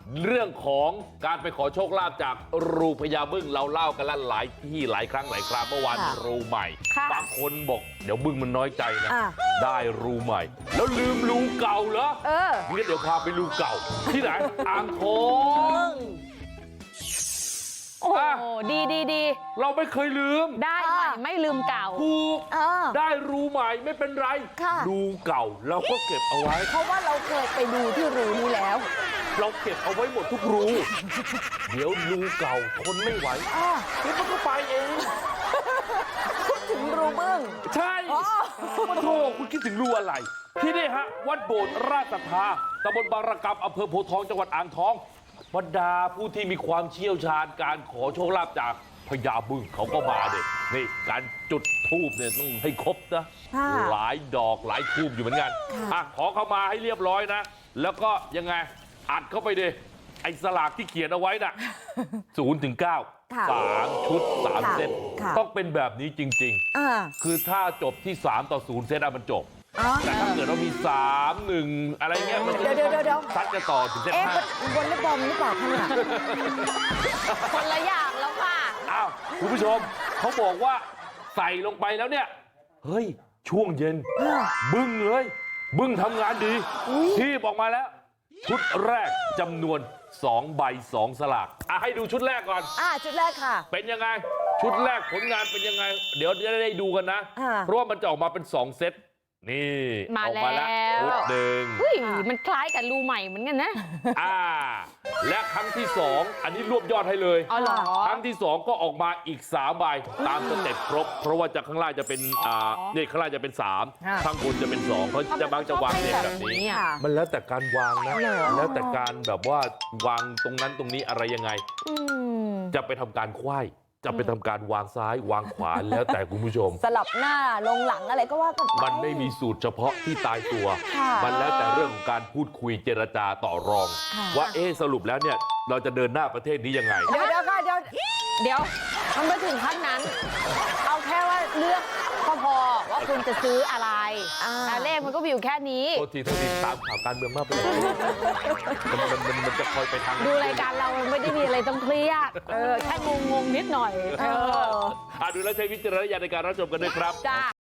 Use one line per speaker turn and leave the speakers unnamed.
เรื่องของการไปขอโชคลาภจากรูพญาบึ้งเราเล่ากันแล้วหลายที่หลายครั้งหลายคราวเมื่อวานรูใหม่บางคนบอกเดี๋ยวบึ้งมันน้อยใจนะได้รูใหม่แล้วลืมรูเก่าเหรองั้นเดี๋ยวพาไปรูเก่าที่ไหนอ่างทอง
โอ้ดี
เราไม่เคยลืม
ได้ใหม่ไม่ลืมเก่า
ถูกได้รูใหม่ไม่เป็นไรรูเก่าเราก็เก็บเอาไว้
เพราะว่าเราเคยไปดูที่รูนี้แล้ว
เราเก็บเอาไว้หมดทุกรูเดี๋ยวรูเก่าทนไม่ไหวเดี๋ยวมันก็ไปเอง
พูดถึงรูบึ้ง
ใช่โธ่คุณคิดถึงรูอะไรที่นี่ฮะวัดโบสถ์ราชศรัทธาตำบลบางระกำอำเภอโพธิ์ทองจังหวัดอ่างทองบรรดาผู้ที่มีความเชี่ยวชาญการขอโชคลาภจากพญาบึ้งเขาก็มาเด็นี่การจุดธูปเนี่ยต้องให้ครบนะหลายดอกหลายธูปอยู่เหมือนกันขอเข้ามาให้เรียบร้อยนะแล้วก็ยังไงอัดเข้าไปดิไอ้สลากที่เขียนเอาไว้น่ะ0 ถึง 9 3 ชุด 3 เซตต้องเป็นแบบนี้จริงๆคือถ้าจบที่3 ต่อ 0 เซตมันจบแต่ถ้าเกิดเรามี3 1อะไรเงี้ยมัน
เดี๋ยว
ซัดจะต่อถึงเซต
5วอลเลย์บอลหรือเปล่าคะเนี่ย
คนละอย่างแล้วค่ะ
อ้าวคุณผู้ชมเขาบอกว่าใส่ลงไปแล้วเนี่ยเฮ้ยช่วงเย็นบึ้งเลยบึ้งทำงานดีที่ออกมาแล้วชุดแรกจำนวน2 ใบ 2 สลากให้ดูชุดแรกก่อน
ชุดแรกค่ะ
เป็นยังไงชุดแรกผลงานเป็นยังไงเดี๋ยวจะได้ดูกันนะเพราะว่ามันจะออกมาเป็น2 เซตนี่ออกมาแล้วชุดหนึ่ง
มันคล้ายกับรูใหม่เหมือนกันนะ
และครั้งที่2อันนี้รวบยอดให้เลยครั้งที่2ก็ออกมาอีก3 ใบตามสเต็ปครบเพราะว่าจากข้างล่างจะเป็นนี่ข้างล่างจะเป็น3ข้างบนจะเป็น2เขาจะบางจะวางเรียงแบบนี้มันแล้วแต่การวางนะแล้วแต่การแบบว่าวางตรงนั้นตรงนี้อะไรยังไงจะไปทำการไขว้จะไปทำการวางซ้ายวางขวาแล้วแต่คุณผู้ชม
สลับหน้าลงหลังอะไรก็ว่ากัน
มันไม่มีสูตรเฉพาะที่ตายตัวมันแล้วแต่เรื่องของการพูดคุยเจรจาต่อรองว่าสรุปแล้วเนี่ยเราจะเดินหน้าประเทศนี้ยังไง
เดี๋ยว
มันไม่ถึงขั้นนั้นเอาแค่ว่าเลือกก็พอว่าคุณจะซื้ออะไรเลขมันก็มีอยู่แค่นี้
โทษทีตามข่าวการเมืองมากไปมันจะคอยไปทาง
ดูรายการเราไม่ได้มีอะไรต้องเครียดแค่งงนิดหน่อย
ดูแล้วใช้วิจารณญาณในการรับชมกันด้วยครับ